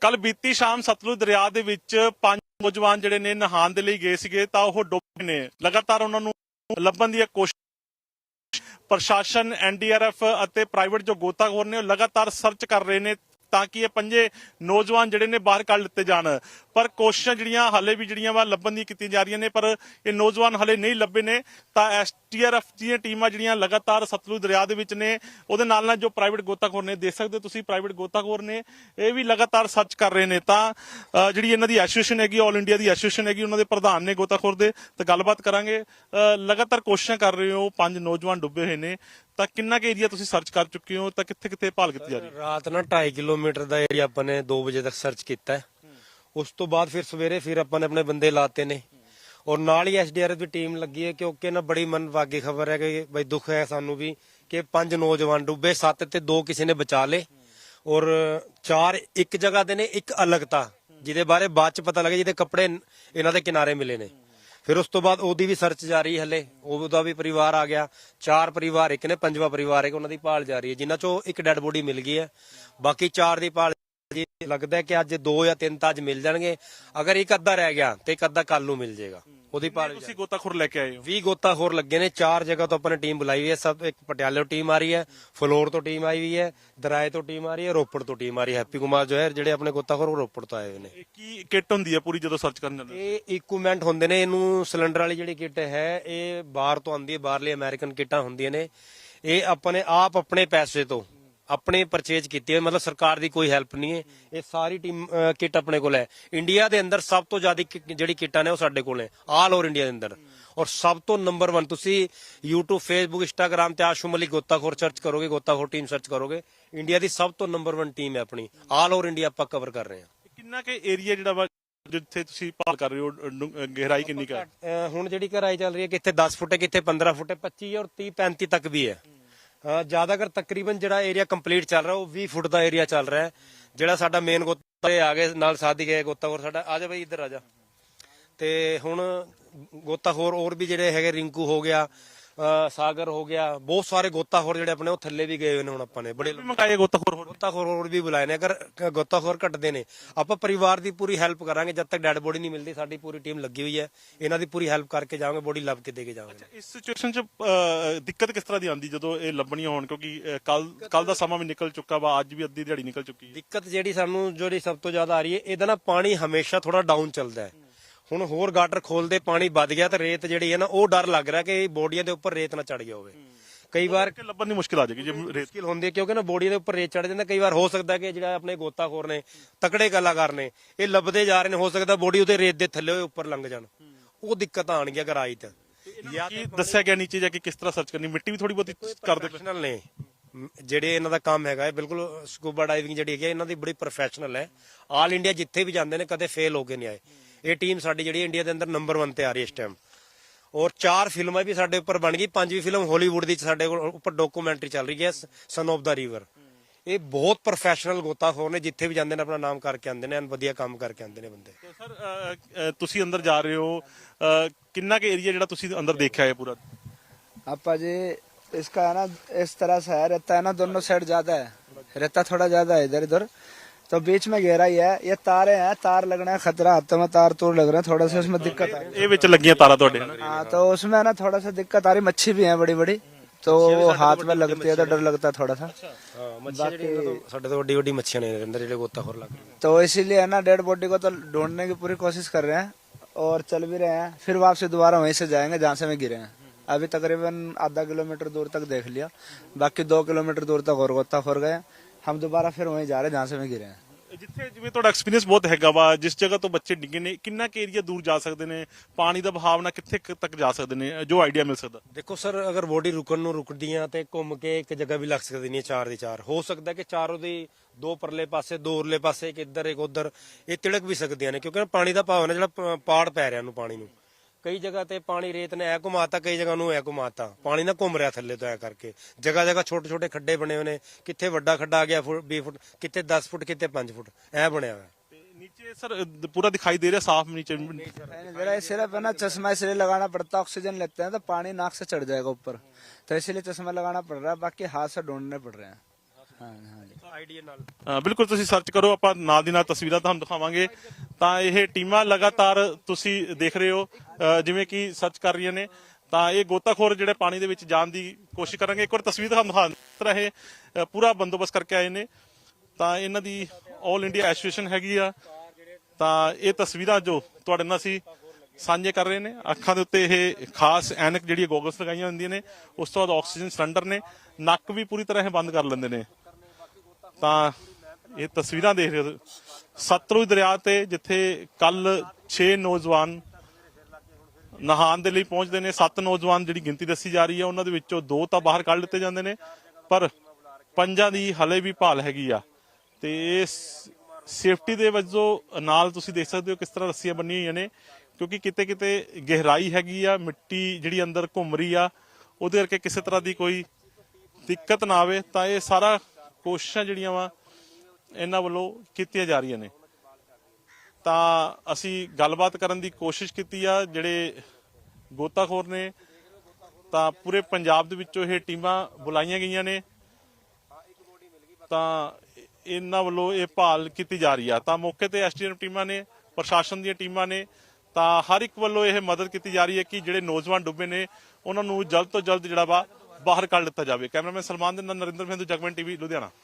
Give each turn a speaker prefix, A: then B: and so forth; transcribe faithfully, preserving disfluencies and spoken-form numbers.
A: ਕੱਲ ਬੀਤੀ ਸ਼ਾਮ ਸਤਲੁਜ ਦਰਿਆ ਦੇ ਵਿੱਚ ਪੰਜ ਨੌਜਵਾਨ ਜਿਹੜੇ ਨੇ ਨਹਾਉਣ ਦੇ ਲਈ ਗਏ ਸੀਗੇ ਤਾਂ ਉਹ ਡੁੱਬੇ ਨੇ। ਲਗਾਤਾਰ ਉਹਨਾਂ ਨੂੰ ਲੱਭਣ ਦੀ ਕੋਸ਼ਿਸ਼ ਪ੍ਰਸ਼ਾਸਨ, ਐਨ ਡੀ ਆਰ ਐਫ ਅਤੇ ਪ੍ਰਾਈਵੇਟ ਜੋ ਗੋਤਾਖੋਰ ਨੇ ਉਹ ਲਗਾਤਾਰ ਸਰਚ ਕਰ ਰਹੇ ਨੇ ਤਾਂ ਕਿ ਇਹ ਪੰਜੇ ਨੌਜਵਾਨ ਜਿਹੜੇ ਨੇ ਬਾਹਰ ਕੱਢ ਲਿੱਤੇ ਜਾਣ। ਪਰ ਕੋਸ਼ਿਸ਼ਾਂ ਜਿਹੜੀਆਂ ਹਾਲੇ ਵੀ ਜਿਹੜੀਆਂ ਵਾ ਲੱਭਣ ਦੀ ਕੀਤੀਆਂ ਜਾ ਰਹੀਆਂ ਨੇ, ਪਰ ਇਹ ਨੌਜਵਾਨ ਹਾਲੇ ਨਹੀਂ ਲੱਭੇ ਨੇ। ਤਾਂ ਐਸ ਟੀ ਆਰ ਐਫ ਦੀਆਂ ਟੀਮਾਂ ਜਿਹੜੀਆਂ ਲਗਾਤਾਰ ਸਤਲੁਜ ਦਰਿਆ ਦੇ ਵਿੱਚ ਨੇ, ਉਹਦੇ ਨਾਲ ਨਾਲ ਜੋ ਪ੍ਰਾਈਵੇਟ ਗੋਤਾਖੋਰ ਨੇ, ਦੇਖ ਸਕਦੇ ਹੋ ਤੁਸੀਂ ਪ੍ਰਾਈਵੇਟ ਗੋਤਾਖੋਰ ਨੇ, ਇਹ ਵੀ ਲਗਾਤਾਰ ਸਰਚ ਕਰ ਰਹੇ ਨੇ। ਤਾਂ ਜਿਹੜੀ ਇਹਨਾਂ ਦੀ ਐਸੋਸੀਏਸ਼ਨ ਹੈਗੀ, ਆਲ ਇੰਡੀਆ ਦੀ ਐਸੋਸੀਏਸ਼ਨ ਹੈਗੀ, ਉਹਨਾਂ ਦੇ ਪ੍ਰਧਾਨ ਨੇ ਗੋਤਾਖੋਰ ਦੇ, ਤਾਂ ਗੱਲਬਾਤ ਕਰਾਂਗੇ। ਲਗਾਤਾਰ ਕੋਸ਼ਿਸ਼ਾਂ ਕਰ ਰਹੇ ਹੋ, ਪੰਜ ਨੌਜਵਾਨ ਡੁੱਬੇ ਹੋਏ ਨੇ, ਤਾਂ ਕਿੰਨਾ ਕੁ ਏਰੀਆ ਤੁਸੀਂ ਸਰਚ ਕਰ ਚੁੱਕੇ ਹੋ, ਤਾਂ ਕਿੱਥੇ ਕਿੱਥੇ ਭਾਲ ਕੀਤੀ ਜਾ ਰਹੀ ਹੈ?
B: ਰਾਤ ਨਾ ਢਾਈ ਕਿਲੋਮੀਟਰ ਦਾ ਏਰੀਆ ਆਪਾਂ ਨੇ ਦੋ ਵਜੇ ਤੱਕ ਸਰਚ ਕੀਤਾ। ਉਸ ਤੋਂ ਬਾਅਦ ਫਿਰ ਸਵੇਰੇ ਫਿਰ ਆਪਾਂ ਨੇ ਆਪਣੇ ਬੰਦੇ ਲਾਤੇ ਨੇ ਔਰ ਨਾਲ ਹੀ ਐਸ ਡੀ ਆਰ ਐਫ ਦੀ ਟੀਮ ਲੱਗੀ ਹੈ, ਕਿਉਂਕਿ ਨਾ ਬੜੀ ਮਨਭਾਗੀ ਖਬਰ ਹੈ ਕਿ ਬਈ ਦੁੱਖ ਹੈ ਸਾਨੂੰ ਵੀ ਕਿ ਪੰਜ ਨੌਜਵਾਨ ਡੁੱਬੇ, ਸੱਤ ਤੇ ਦੋ ਕਿਸੇ ਨੇ ਬਚਾ ਲਏ ਔਰ ਚਾਰ ਇੱਕ ਜਗ੍ਹਾ ਦੇ ਨੇ, ਇੱਕ ਅਲੱਗ ਤਾ ਜਿਹਦੇ ਬਾਰੇ ਬਾਅਦ ਚ ਪਤਾ ਲੱਗਾ, ਜਿਹਦੇ ਕੱਪੜੇ ਇਹਨਾਂ ਦੇ ਕਿਨਾਰੇ ਮਿਲੇ ਨੇ। ਫਿਰ ਉਸ ਤੋਂ ਬਾਅਦ ਉਹਦੀ ਵੀ ਸਰਚ ਜਾਰੀ, ਹਲੇ ਉਹਦਾ ਵੀ ਪਰਿਵਾਰ ਆ ਗਿਆ, ਚਾਰ ਪਰਿਵਾਰ ਇੱਕ ਨੇ, ਪੰਜਵਾਂ ਪਰਿਵਾਰ ਹੈ, ਉਹਨਾਂ ਦੀ ਭਾਲ ਜਾਰੀ ਹੈ, ਜਿਨ੍ਹਾਂ ਚੋਂ ਇੱਕ ਡੈਡ ਬੋਡੀ ਮਿਲ ਗਈ ਹੈ, ਬਾਕੀ ਚਾਰ ਦੀ ਭਾਲ ਲੱਗਦਾ ਕਿ ਅੱਜ ਦੋ ਜਾਂ ਤਿੰਨ ਤਾਂ ਅੱਜ ਮਿਲ ਜਾਣਗੇ। ਅਗਰ ਇੱਕ ਅੱਧਾ ਰਹਿ ਗਿਆ ਤੇ ਇੱਕ ਅੱਧਾ ਕੱਲ ਨੂੰ ਮਿਲ ਜਾਏਗਾ। ਉਹਦੀ ਭਾਲ
A: ਤੁਸੀਂ ਗੋਤਾਖੋਰ ਲੈ ਕੇ ਆਏ ਹੋ?
B: ਵੀਹ ਗੋਤਾਖੋਰ ਲੱਗੇ ਨੇ, ਚਾਰ ਜਗ੍ਹਾ ਤੋਂ ਆਪਾਂ ਨੇ ਟੀਮ ਬੁਲਾਈ ਹੋਈ ਹੈ। ਸਭ ਇੱਕ ਪਟਿਆਲੇ ਤੋਂ ਟੀਮ ਆ ਰਹੀ ਹੈ, ਫਲੋਰ ਤੋਂ ਟੀਮ ਆਈ ਹੋਈ ਹੈ, ਦਰਾਏ ਤੋਂ ਟੀਮ ਆ ਰਹੀ ਹੈ, ਰੋਪੜ ਤੋਂ ਟੀਮ ਆ ਰਹੀ ਹੈ। ਹੈਪੀ ਕੁਮਾਰ ਜੋ ਹੈ ਜਿਹੜੇ ਆਪਣੇ ਗੋਤਾਖੋਰ ਉਹ ਰੋਪੜ ਤੋਂ ਆਏ ਹੋਏ ਨੇ।
A: ਕੀ ਕਿੱਟ ਹੁੰਦੀ ਹੈ ਪੂਰੀ ਜਦੋਂ ਸਰਚ ਕਰਨ ਜਾਂਦੇ?
B: ਇਹ ਇਕਵਿਪਮੈਂਟ ਹੁੰਦੇ ਨੇ, ਇਹਨੂੰ ਸਿਲੰਡਰ ਵਾਲੀ ਜਿਹੜੀ ਕਿੱਟ ਹੈ ਇਹ ਬਾਹਰ ਤੋਂ ਆਉਂਦੀ ਹੈ, ਬਾਹਰਲੀ ਅਮਰੀਕਨ ਕਿੱਟਾਂ ਹੁੰਦੀਆਂ ਨੇ। ਇਹ ਆਪਾਂ ਨੇ ਆਪ ਆਪਣੇ ਪੈਸੇ ਤੋਂ ਆਪਣੇ ਪਰਚੇਜ ਕੀਤੀ ਹੈ, ਮਤਲਬ ਸਰਕਾਰ ਦੀ ਕੋਈ ਹੈਲਪ ਨਹੀਂ ਹੈ। ਇਹ ਸਾਰੀ ਟੀਮ ਕਿੱਟ ਆਪਣੇ ਕੋਲ ਹੈ। ਇੰਡੀਆ ਦੇ ਅੰਦਰ ਸਭ ਤੋਂ ਜ਼ਿਆਦਾ ਜਿਹੜੀ ਕਿੱਟਾਂ ਨੇ ਉਹ ਸਾਡੇ ਕੋਲ ਨੇ, ਆਲ ਓਵਰ ਇੰਡੀਆ ਦੇ ਅੰਦਰ। ਔਰ ਸਭ ਤੋਂ ਨੰਬਰ ਵਨ, ਤੁਸੀਂ ਯੂਟਿਊਬ, ਫੇਸਬੁੱਕ, ਇੰਸਟਾਗ੍ਰਾਮ ਤੇ ਆਸ਼ੂ ਮਲਿਕ ਗੋਤਾਖੋਰ ਸਰਚ ਕਰੋਗੇ, ਗੋਤਾਖੋਰ ਟੀਮ ਸਰਚ ਕਰੋਗੇ, ਇੰਡੀਆ ਦੀ ਸਭ ਤੋਂ ਨੰਬਰ ਵਨ ਟੀਮ ਹੈ ਆਪਣੀ। ਆਲ ਓਵਰ ਇੰਡੀਆ ਆਪਾਂ ਕਵਰ ਕਰ ਰਹੇ ਹਾਂ।
A: ਕਿੰਨਾ ਕੁ ਏਰੀਆ ਜਿਹੜਾ ਵਾ ਜਿੱਥੇ ਤੁਸੀਂ ਭਾਲ ਕਰ ਰਹੇ ਹੋ, ਗਹਿਰਾਈ ਕਿੰਨੀ ਕੁ ਹੈ?
B: ਹੁਣ ਜਿਹੜੀ ਗਹਿਰਾਈ ਚੱਲ ਰਹੀ ਹੈ, ਕਿੱਥੇ ਦਸ ਫੁੱਟ ਹੈ, ਕਿੱਥੇ ਪੰਦਰਾਂ ਫੁੱਟ ਹੈ, ਪੱਚੀ ਔਰ ਤੀਹ ਪੈਂਤੀ ਤੱਕ ਵੀ ਹੈ। ਜ਼ਿਆਦਾਤਰ ਤਕਰੀਬਨ ਜਿਹੜਾ ਏਰੀਆ ਕੰਪਲੀਟ ਚੱਲ ਰਿਹਾ ਉਹ ਵੀਹ ਫੁੱਟ ਦਾ ਏਰੀਆ ਚੱਲ ਰਿਹਾ ਹੈ। ਜਿਹੜਾ ਸਾਡਾ ਮੇਨ ਗੋਤਾ ਆ ਗਏ ਨਾਲ ਸਾਥੀ ਗਏ ਗੋਤਾਖੋਰ ਸਾਡਾ, ਆ ਜਾ ਬਈ ਇੱਧਰ ਆ ਜਾ। ਤੇ ਹੁਣ ਗੋਤਾਖੋਰ ਹੋਰ ਵੀ ਜਿਹੜੇ ਹੈਗੇ, ਰਿੰਕੂ ਹੋ ਗਿਆ, ਸਾਗਰ ਹੋ ਗਿਆ, ਬਹੁਤ ਸਾਰੇ ਗੋਤਾਖੋਰ ਜਿਹੜੇ ਆਪਣੇ ਉਹ ਥੱਲੇ ਵੀ ਗਏ ਹੋਏ ਨੇ। ਹੁਣ ਆਪਾਂ ਨੇ ਬੜੇ
A: ਮੰਗਾਏ ਗੋਤਾਖੋਰ,
B: ਗੋਤਾਖੋਰ ਹੋਰ ਵੀ ਬੁਲਾਏ ਨੇ। ਅਗਰ ਗੋਤਾਖੋਰ ਘਟਦੇ ਨੇ ਆਪਾਂ ਪਰਿਵਾਰ ਦੀ ਪੂਰੀ ਹੈਲਪ ਕਰਾਂਗੇ। ਜਦ ਤੱਕ ਡੈਡ ਬੋਡੀ ਨਹੀਂ ਮਿਲਦੀ ਸਾਡੀ ਪੂਰੀ ਟੀਮ ਲੱਗੀ ਹੋਈ ਹੈ, ਇਹਨਾਂ ਦੀ ਪੂਰੀ ਹੈਲਪ ਕਰਕੇ ਜਾਵਾਂਗੇ, ਬੋਡੀ ਲੱਭ ਕੇ ਦੇ ਕੇ ਜਾਵਾਂਗੇ।
A: ਇਸ ਸਿਚੁਏਸ਼ਨ 'ਚ ਦਿੱਕਤ ਕਿਸ ਤਰ੍ਹਾਂ ਦੀ ਆਉਂਦੀ ਜਦੋਂ ਇਹ ਲੱਭਣੀਆਂ ਹੋਣ? ਕਿਉਂਕਿ ਕੱਲ ਕੱਲ ਦਾ ਸਮਾਂ ਵੀ ਨਿਕਲ ਚੁੱਕਾ ਵਾ, ਅੱਜ ਵੀ ਅੱਧੀ ਦਿਹਾੜੀ ਨਿਕਲ ਚੁੱਕੀ ਹੈ।
B: ਦਿੱਕਤ ਜਿਹੜੀ ਸਾਨੂੰ ਜਿਹੜੀ ਸਭ ਤੋਂ ਜ਼ਿਆਦਾ ਆ ਰਹੀ ਹੈ, ਇਹਦਾ ਨਾ ਪਾਣੀ ਹਮੇਸ਼ਾ ਥੋੜਾ ਡਾਊਨ ਚੱਲਦਾ ਹੈ। ਹੁਣ ਹੋਰ ਗਾਟਰ ਖੋਲਦੇ ਪਾਣੀ ਵੱਧ ਗਿਆ ਤੇ ਰੇਤ ਜਿਹੜੀ ਹੈ ਨਾ ਉਹ ਡਰ ਲੱਗ ਰਿਹਾ ਕਿ ਬੋਡੀਆਂ ਦੇ ਉੱਪਰ ਰੇਤ ਨਾ ਚੜ ਗਿਆ ਹੋਵੇ। ਕਈ ਵਾਰ
A: ਲੱਭਣ ਦੀ ਮੁਸ਼ਕਿਲ ਆ ਜਾਏਗੀ ਜੇ
B: ਮੁਸ਼ਕਿਲ ਹੁੰਦੀ ਹੈ, ਕਿਉਂਕਿ ਨਾ ਬੋਡੀਆਂ ਦੇ ਉੱਪਰ ਰੇਤ ਚੜ ਜਾਂਦਾ। ਕਈ ਵਾਰ ਹੋ ਸਕਦਾ ਕਿ ਜਿਹੜਾ ਆਪਣੇ ਗੋਤਾਖੋਰ ਨੇ, ਤਕੜੇ ਕਲਾਕਾਰ ਨੇ, ਇਹ ਲੱਭਦੇ ਜਾ ਰਹੇ ਨੇ, ਹੋ ਸਕਦਾ ਬੋਡੀ ਉਹਦੇ ਰੇਤ ਦੇ ਥੱਲੇ ਉੱਪਰ ਲੰਘ ਜਾਣ। ਉਹ ਦਿੱਕਤ ਆਣਗੀ ਅਗਰ ਆਈ ਤਾਂ।
A: ਕੀ ਦੱਸਿਆ ਗਿਆ ਨੀਚੇ ਜਾ ਕੇ ਕਿਸ ਤਰ੍ਹਾਂ ਸਰਚ ਕਰਨੀ? ਮਿੱਟੀ ਵੀ ਥੋੜੀ ਬਹੁਤੀ ਕਰਦੇ
B: ਪ੍ਰੋਫੈਸ਼ਨਲ ਨੇ ਜਿਹੜੇ ਇਹਨਾਂ ਦਾ ਕੰਮ ਹੈਗਾ। ਬਿਲਕੁਲ ਸਕੂਬਾ ਡਾਈਵਿੰਗ ਜਿਹੜੀ ਹੈਗੀ ਇਹਨਾਂ ਦੀ ਬੜੀ ਪ੍ਰੋਫੈਸ਼ਨਲ ਹੈ। ਆਲ ਇੰਡੀਆ ਜਿੱਥੇ ਵੀ ਜਾਂਦੇ ਨੇ ਕਦੇ ਫੇਲ ਹੋ ਕੇ ਨਹੀਂ ਆਏ। ਇਹ ਟੀਮ ਸਾਡੀ ਜਿਹੜੀ ਇੰਡੀਆ ਦੇ ਅੰਦਰ ਨੰਬਰ ਵਨ ਤੇ ਆ ਰਹੀ ਹੈ ਇਸ ਟਾਈਮ। ਔਰ ਚਾਰ ਫਿਲਮਾਂ ਵੀ ਸਾਡੇ ਉੱਪਰ ਬਣ ਗਈ, ਪੰਜਵੀਂ ਫਿਲਮ ਹਾਲੀਵੁੱਡ ਦੀ ਸਾਡੇ ਕੋਲ ਉੱਪਰ ਡਾਕੂਮੈਂਟਰੀ ਚੱਲ ਰਹੀ ਹੈ, ਸਨ ਆਫ ਦਾ ਰਿਵਰ। ਇਹ ਬਹੁਤ ਪ੍ਰੋਫੈਸ਼ਨਲ ਗੋਤਾਖੋਰ ਨੇ, ਜਿੱਥੇ ਵੀ ਜਾਂਦੇ ਨੇ ਆਪਣਾ ਨਾਮ ਕਰਕੇ ਆਉਂਦੇ ਨੇ, ਵਧੀਆ ਕੰਮ ਕਰਕੇ ਆਉਂਦੇ ਨੇ ਬੰਦੇ।
A: ਸਰ ਤੁਸੀਂ ਅੰਦਰ ਜਾ ਰਹੇ ਹੋ, ਕਿੰਨਾ ਕੁ ਏਰੀਆ ਜਿਹੜਾ ਤੁਸੀਂ ਅੰਦਰ ਦੇਖਿਆ ਹੈ ਪੂਰਾ?
C: आपा जी इसका है ना इस तरह से है, रहता है ना दोनों साइड ज्यादा है, रहता थोड़ा ज्यादा है इधर इधर, तो बीच में गहराई है। ये तारे हैं, तार लगना है खतरा, हाथों में तार तोड़ लग रहे हैं, थोड़ा सा उसमें दिक्कत आ रही है।
A: ये विच लगियां तारा तोड़े?
C: हाँ, तो उसमें ना थोड़ा सा दिक्कत आ रही। मच्छी भी है बड़ी बड़ी, तो वो हाथ में लगती है तो डर लगता है थोड़ा सा।
B: ਸਾਡੇ ਤੋਂ ਵੱਡੀ ਵੱਡੀ ਮੱਛੀਆਂ ਨੇ ਅੰਦਰ ਜਿਹੜੇ ਗੋਤਾਖੋਰ ਲੱਗ ਰਹੇ।
C: तो इसीलिए है ना डेड बॉडी को तो ढूंढने की पूरी कोशिश कर रहे हैं और चल भी रहे हैं। फिर वापसी दोबारा वहीं से जाएंगे जहाँ से में गिरे हैं। अभी तकरीबन आधा किलोमीटर दूर तक देख लिया, बाकी दो किलोमीटर दूर तक और गोताखोर गए। हम दोबारा फिर वहीं जा रहे हैं जहाँ से में गिरे हैं।
A: ਜਿੱਥੇ ਜਿਵੇਂ ਤੁਹਾਡਾ ਐਕਸਪੀਰੀਅੰਸ ਬਹੁਤ ਹੈਗਾ ਵਾ, ਜਿਸ ਜਗ੍ਹਾ ਤੋਂ ਬੱਚੇ ਡਿੱਗੇ ਨੇ, ਕਿੰਨਾ ਕੁ ਏਰੀਆ ਦੂਰ ਜਾ ਸਕਦੇ ਨੇ? ਪਾਣੀ ਦਾ ਬਹਾਵ ਨਾਲ ਕਿੱਥੇ ਤੱਕ ਜਾ ਸਕਦੇ ਨੇ, ਜੋ ਆਈਡੀਆ ਮਿਲ ਸਕਦਾ?
B: ਦੇਖੋ ਸਰ, ਅਗਰ ਬੋਡੀ ਰੁਕਣ ਨੂੰ ਰੁਕਦੀਆਂ ਤੇ ਘੁੰਮ ਕੇ ਇੱਕ ਜਗ੍ਹਾ ਵੀ ਲੱਗ ਸਕਦੀ ਨਹੀਂ, ਚਾਰ ਦੀ ਚਾਰ ਹੋ ਸਕਦਾ ਕਿ ਚਾਰੋਂ ਦੀ ਦੋ ਪਰਲੇ ਪਾਸੇ, ਦੋ ਉਰਲੇ ਪਾਸੇ, ਇੱਕ ਇੱਧਰ ਇੱਕ ਉੱਧਰ, ਇਹ ਤਿਲਕ ਵੀ ਸਕਦੀਆਂ ਨੇ, ਕਿਉਂਕਿ ਪਾਣੀ ਦਾ ਭਾਵ ਨਾ ਜਿਹੜਾ ਪਾੜ ਪੈ ਰਿਹਾ ਨੂੰ ਪਾਣੀ ਨੂੰ। ਕਈ ਜਗ੍ਹਾ ਤੇ ਪਾਣੀ ਰੇਤ ਨੇ ਐ ਘੁਮਾਤਾ, ਕਈ ਜਗ੍ਹਾ ਨੂੰ ਐ ਘੁਮਾਤਾ, ਪਾਣੀ ਨਾ ਘੁੰਮ ਰਿਹਾ ਥੱਲੇ ਤੋਂ ਐ ਕਰਕੇ। ਜਗ੍ਹਾ ਜਗ੍ਹਾ ਛੋਟੇ ਛੋਟੇ ਖੱਡੇ ਬਣੇ ਹੋਏ ਨੇ, ਕਿੱਥੇ ਵੱਡਾ ਖੱਡਾ ਆ ਗਿਆ ਵੀਹ ਫੁੱਟ, ਕਿੱਥੇ ਦਸ ਫੁੱਟ, ਕਿੱਥੇ ਪੰਜ ਫੁੱਟ ਐ ਬਣਿਆ ਹੋਇਆ।
A: नीचे सर पूरा दिखाई दे रहा है साफ? नीचे
C: जरा सिर्फ है ना चश्मा इसलिए लगाना पड़ता है, ऑक्सीजन लेते हैं तो पानी नाक से चढ़ जाएगा ऊपर, तो इसीलिए चश्मा लगाना पड़ रहा है। बाकी हाथ से ढूंढने पड़ रहे हैं। हाँ हाँ।
B: ਆਈਡੀਆ ਨਾਲ
A: ਅ, ਬਿਲਕੁਲ ਤੁਸੀਂ ਸਰਚ ਕਰੋ, ਆਪਾਂ ਨਾਲ ਦੀ ਨਾਲ ਤਸਵੀਰਾਂ ਤੁਹਾਨੂੰ ਦਿਖਾਵਾਂਗੇ। ਤਾਂ ਇਹ ਟੀਮਾਂ ਲਗਾਤਾਰ ਤੁਸੀਂ ਦੇਖ ਰਹੇ ਹੋ ਅ, ਜਿਵੇਂ ਕਿ ਸਰਚ ਕਰ ਰਹੀਆਂ ਨੇ। ਤਾਂ ਇਹ ਗੋਤਾਖੋਰ ਜਿਹੜੇ ਪਾਣੀ ਦੇ ਵਿੱਚ ਜਾਣ ਦੀ ਕੋਸ਼ਿਸ਼ ਕਰਾਂਗੇ। ਇੱਕ ਵਾਰ ਤਸਵੀਰ ਤੁਹਾਨੂੰ ਦਿਖਾ ਦਿੱਤਾ ਇਹ ਅ, ਪੂਰਾ ਬੰਦੋਬਸਤ ਕਰਕੇ ਆਏ ਨੇ। ਤਾਂ ਇਹਨਾਂ ਦੀ ਆਲ ਇੰਡੀਆ ਐਸੋਸੀਏਸ਼ਨ ਹੈਗੀ ਆ। ਤਾਂ ਇਹ ਤਸਵੀਰਾਂ ਜੋ ਤੁਹਾਡੇ ਨਾਲ ਅਸੀਂ ਸਾਂਝੇ ਕਰ ਰਹੇ ਨੇ। ਅੱਖਾਂ ਦੇ ਉੱਤੇ ਇਹ ਖਾਸ ਐਨਕ ਜਿਹੜੀ ਗੋਗਲਸ ਲਗਾਈਆਂ ਹੁੰਦੀਆਂ ਨੇ। ਉਸ ਤੋਂ ਬਾਅਦ ਆਕਸੀਜਨ ਸਿਲੰਡਰ ਨੇ, ਨੱਕ ਵੀ ਪੂਰੀ ਤਰ੍ਹਾਂ ਇਹ ਬੰਦ ਕਰ ਲੈਂਦੇ ਨੇ। ਤਾਂ ਇਹ ਤਸਵੀਰਾਂ ਦੇਖ ਰਹੇ ਹੋ ਸਤਲੁਜ ਦਰਿਆ ਤੇ, ਜਿੱਥੇ ਕੱਲ ਛੇ ਨੌਜਵਾਨ ਨਹਾਉਣ ਦੇ ਲਈ ਪਹੁੰਚਦੇ ਨੇ। ਸੱਤ ਨੌਜਵਾਨ ਜਿਹੜੀ ਗਿਣਤੀ ਦੱਸੀ ਜਾ ਰਹੀ ਹੈ, ਉਹਨਾਂ ਦੇ ਵਿੱਚੋਂ ਦੋ ਤਾਂ ਬਾਹਰ ਕੱਢ ਲਿੱਤੇ ਜਾਂਦੇ ਨੇ, ਪਰ ਪੰਜਾਂ ਦੀ ਹਲੇ ਵੀ ਭਾਲ ਹੈਗੀ ਆ। ਤੇ ਇਸ ਸੇਫਟੀ ਦੇ ਵਜੋਂ ਨਾਲ ਤੁਸੀਂ ਦੇਖ ਸਕਦੇ ਹੋ ਕਿਸ ਤਰ੍ਹਾਂ ਰੱਸੀਆਂ ਬੰਨੀਆਂ ਹੋਈਆਂ ਨੇ, ਕਿਉਂਕਿ ਕਿਤੇ ਕਿਤੇ ਗਹਿਰਾਈ ਹੈਗੀ ਆ, ਮਿੱਟੀ ਜਿਹੜੀ ਅੰਦਰ ਘੁੰਮ ਰਹੀ ਆ, ਉਹਦੇ ਕਰਕੇ ਕਿਸੇ ਤਰ੍ਹਾਂ ਦੀ ਕੋਈ ਦਿੱਕਤ ਨਾ ਆਵੇ। ਤਾਂ ਇਹ ਸਾਰਾ ਕੋਸ਼ਿਸ਼ਾਂ ਜਿਹੜੀਆਂ ਵਾ ਇਹਨਾਂ ਵੱਲੋਂ ਕੀਤੀਆਂ ਜਾ ਰਹੀਆਂ ਨੇ। ਤਾਂ ਅਸੀਂ ਗੱਲਬਾਤ ਕਰਨ ਦੀ ਕੋਸ਼ਿਸ਼ ਕੀਤੀ ਆ ਜਿਹੜੇ ਗੋਤਾਖੋਰ ਨੇ। ਤਾਂ ਪੂਰੇ ਪੰਜਾਬ ਦੇ ਵਿੱਚੋਂ ਇਹ ਟੀਮਾਂ ਬੁਲਾਈਆਂ ਗਈਆਂ ਨੇ। ਤਾਂ ਇਹਨਾਂ ਵੱਲੋਂ ਇਹ ਭਾਲ ਕੀਤੀ ਜਾ ਰਹੀ ਆ। ਤਾਂ ਮੌਕੇ ਤੇ ਐਸਡੀਐਮ ਟੀਮਾਂ ਨੇ, ਪ੍ਰਸ਼ਾਸਨ ਦੀਆਂ ਟੀਮਾਂ ਨੇ। ਤਾਂ ਹਰ ਇੱਕ ਵੱਲੋਂ ਇਹ ਮਦਦ ਕੀਤੀ ਜਾ ਰਹੀ ਹੈ ਕਿ ਜਿਹੜੇ ਨੌਜਵਾਨ ਡੁੱਬੇ ਨੇ ਉਹਨਾਂ ਨੂੰ ਜਲਦ ਤੋਂ ਜਲਦ ਜਿਹੜਾ ਵਾ ਬਾਹਰ ਕੱਢ ਲਿੱਤਾ ਜਾਵੇ। ਕੈਮਰਾਮੈਨ ਸਲਮਾਨ ਦੇ ਨਾਲ ਨਰਿੰਦਰ ਮਹਿੰਦੂ, ਜਗਮਨ ਟੀਵੀ, ਲੁਧਿਆਣਾ।